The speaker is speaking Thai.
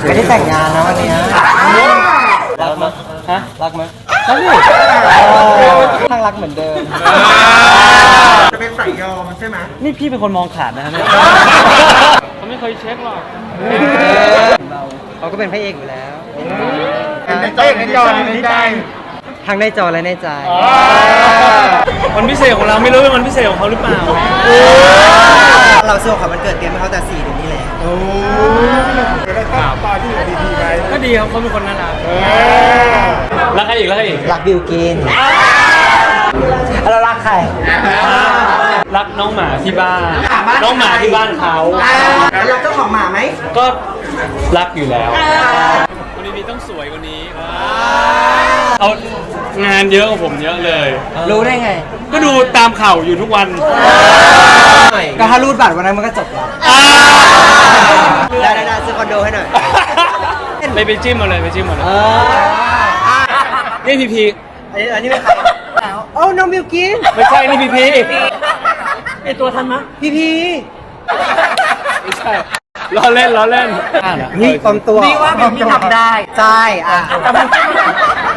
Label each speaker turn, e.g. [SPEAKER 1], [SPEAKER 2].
[SPEAKER 1] ไม่ได้แต่งงานนะวันนี้รักมั้ยฮะรักมั้ยรักดิทั้งรักเหมือนเดิม
[SPEAKER 2] จะเป็นสายยอมใช่ไหม
[SPEAKER 1] นี่พี่เป็นคนมองขาดนะเนี่ยเขาไม่เคยเช็คหรอกเขาก็เป็นพระเอกอยู่แล้ว
[SPEAKER 2] ในจอในใจ
[SPEAKER 1] ทั้งในจอและในใจ
[SPEAKER 3] วันพิเศษของเราไม่รู้เป็นวันพิเศษของเขาหรือเปล่า
[SPEAKER 1] เราซื้อของมันเกิดเตรียมให้เขาแต่4 เดือนนี้แหละ
[SPEAKER 2] ตอนที่อยู่ดีๆไป
[SPEAKER 3] ก็ดีครับเขาเป็นคนน่ารักรักใครอีก
[SPEAKER 1] รักบิวกินเรารักใคร
[SPEAKER 3] รักน้องหมาที่บ้านน้องหมาที่บ้านเขา
[SPEAKER 2] แล้วรักเจ้าของหมาไหม
[SPEAKER 3] ก็รักอยู่แล้ววันนี้ต้องสวยกว่านี้เอางานเยอะกว่าผมเยอะเลย
[SPEAKER 1] รู้ได้ไง
[SPEAKER 3] ก็ดูตามข่าวอยู่ทุกวัน
[SPEAKER 1] ก็ถ้ารูดบัตรวันนั้นมันก็จบแล้วได้ซื้อคอนโดให้หน่อย
[SPEAKER 3] ไปจิ้มมาเลยนี่พีพี
[SPEAKER 1] อันนี้เป็นใครโอ้น้องบิวกิน
[SPEAKER 3] ไม่ใช่นี่พีพี
[SPEAKER 1] ไอตัวทันมั้ยพี
[SPEAKER 3] ไม่ใช่ล้อเล่น
[SPEAKER 1] นี่ปลอมตัว
[SPEAKER 2] นี่ว่าบิวกินทำได้
[SPEAKER 1] ใช่